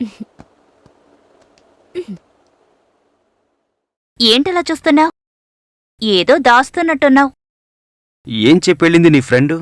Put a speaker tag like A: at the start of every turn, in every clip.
A: ఏంటలా చూస్తున్నావ్? ఏదో దాస్తున్నట్టున్నావ్.
B: ఏం చెప్పెళ్ళింది నీ ఫ్రెండు?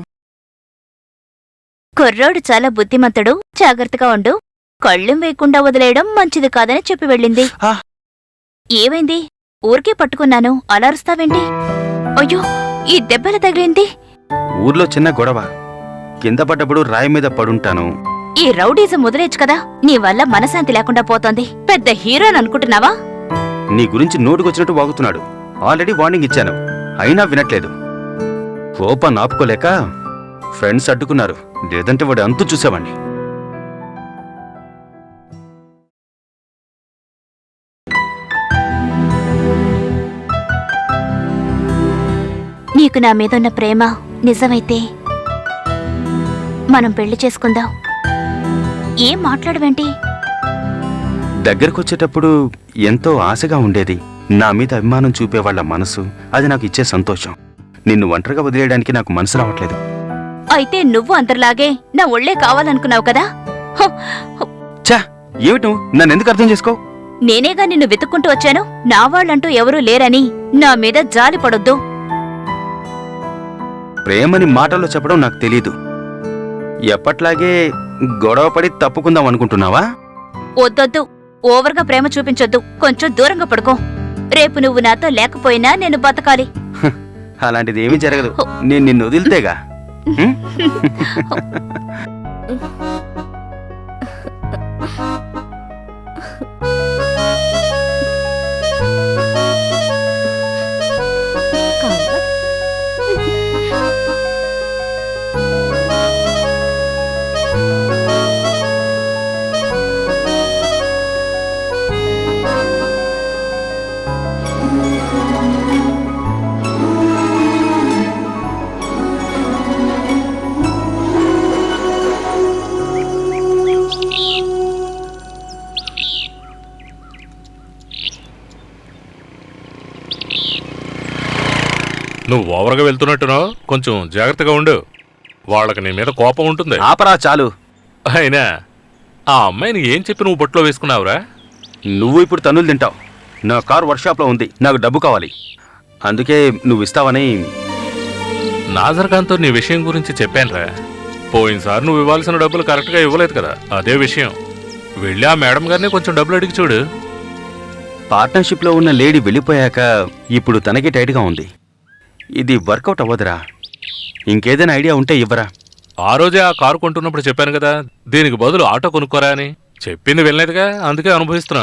A: కుర్రోడు చాలా బుద్ధిమంతుడు, జాగ్రత్తగా ఉండు, కళ్ళెం వేయకుండా వదిలేయడం మంచిది కాదని చెప్పి వెళ్ళింది.
B: ఆ.
A: ఏమైంది? ఊరికే పట్టుకున్నాను, అలరుస్తావేంటి? అయ్యో, ఈ దెబ్బల తగిలింది.
B: ఊర్లో చిన్న గొడవ, కింద పడ్డప్పుడు రాయి మీద పడుంటాను.
A: ఈ రౌడీజం వదిలేచ్చు కదా, నీ వల్ల మనశాంతి లేకుండా పోతోంది. పెద్ద హీరోని అనుకుంటున్నావా?
B: నీ గురించి నోటుకొచ్చినట్టు వాగుతున్నాడు. ఆల్రెడీ వార్నింగ్ ఇచ్చాను, అయినా వినట్లేదు. కోపాన్ని ఆపుకోలేక ఫ్రెండ్స్ అడ్డుకున్నారు, లేదంటే వాడు అంతు చూసేవాణ్ణి.
A: నీకు నా మీదున్న ప్రేమ నిజమైతే మనం పెళ్లి చేసుకుందాం. ఏం మాట్లాడవేంటి?
B: దగ్గరకొచ్చేటప్పుడు ఎంతో ఆశగా ఉండేది. నా మీద అభిమానం చూపేవాళ్ల మనసు, అది నాకు ఇచ్చే సంతోషం. నిన్ను ఒంటరిగా వదిలేయడానికి నాకు మనసు రావట్లేదు.
A: అయితే నువ్వు అందరిలాగే నా ఒళ్లే కావాలనుకున్నావు కదా?
B: ఛా, ఏమిటి నువ్వు నన్నెందుకు అర్థం చేసుకో?
A: నేనేగా నిన్ను వెతుక్కుంటూ వచ్చాను. నా వాళ్ళంటూ ఎవరూ లేరని నా మీద జాలి పడొద్దు.
B: ప్రేమని మాటల్లో చెప్పడం నాకు తెలీదు. ఎప్పట్లాగే గొడవపడి తప్పుకుందాం అనుకుంటున్నావా?
A: వద్దొద్దు, ఓవర్గా ప్రేమ చూపించొద్దు. కొంచెం దూరంగా పడుకో. రేపు నువ్వు నాతో లేకపోయినా నేను బతకాలి.
B: అలాంటిది ఏమీ జరగదు, నేను నిన్ను వదిలితేగా.
C: నువ్వు ఓవర్గా వెళ్తున్నట్టున్నావు, కొంచెం జాగ్రత్తగా ఉండు. వాళ్ళకి నీ మీద కోపం ఉంటుంది.
B: ఆపరా చాలు.
C: అయినా ఆ అమ్మాయిని ఏం చెప్పి నువ్వు బొట్లో వేసుకున్నావురా?
B: నువ్వు ఇప్పుడు తన్నులు తింటావు. నా కారు వర్క్షాప్లో ఉంది, నాకు డబ్బు కావాలి, అందుకే నువ్వు ఇస్తావని.
C: నాజర్ఖాన్తో నీ విషయం గురించి చెప్పానురా. పోయినసారి నువ్వు ఇవ్వాల్సిన డబ్బులు కరెక్ట్గా ఇవ్వలేదు కదా, అదే విషయం. వెళ్ళి ఆ మేడం గారిని కొంచెం డబ్బులు అడిగి చూడు.
B: పార్ట్నర్షిప్లో ఉన్న లేడీ వెళ్ళిపోయాక ఇప్పుడు తనకి టైట్గా ఉంది. ఇది వర్కౌట్ అవ్వదురా. ఇంకేదైనా ఐడియా ఉంటే ఇవ్వరా.
C: ఆ రోజే ఆ కారు కొంటున్నప్పుడు చెప్పాను కదా, దీనికి బదులు ఆటో కొనుక్కోరా అని. చెప్పింది వెళ్ళలేదుగా, అందుకే అనుభవిస్తున్నా.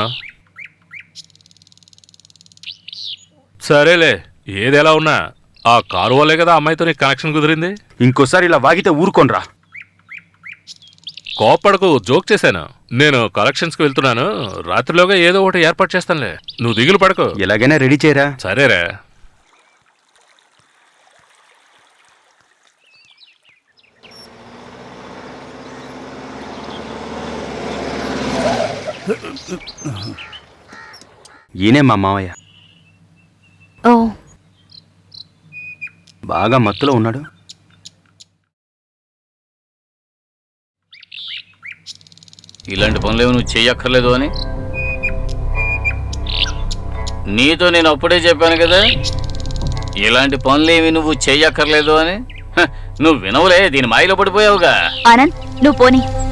C: సరేలే, ఏది ఎలా ఉన్నా ఆ కారు వల్లే కదా అమ్మాయితో నీకు కనెక్షన్ కుదిరింది.
B: ఇంకోసారి ఇలా వాగితే ఊరుకోనరా.
C: కోప్పడకు, జోక్ చేశాను. నేను కలెక్షన్స్కి వెళ్తున్నాను, రాత్రిలోగా ఏదో ఒకటి ఏర్పాటు చేస్తానులే, నువ్వు దిగులు పడకు.
B: ఎలాగైనా రెడీ చేయరా.
C: సరేరా.
B: ఈయనే మా మావయ్య.
A: ఓ,
B: బాగా మత్తులో ఉన్నాడు.
D: ఇలాంటి పనులేవి నువ్వు చెయ్యక్కర్లేదు అని నీతో నేను అప్పుడే చెప్పాను కదా, ఇలాంటి పనులేవి నువ్వు చెయ్యక్కర్లేదు అని. నువ్వు వినవులే, దీని మాయలో పడిపోయావుగా.
A: ఆనంద్, నువ్వు పోనీ.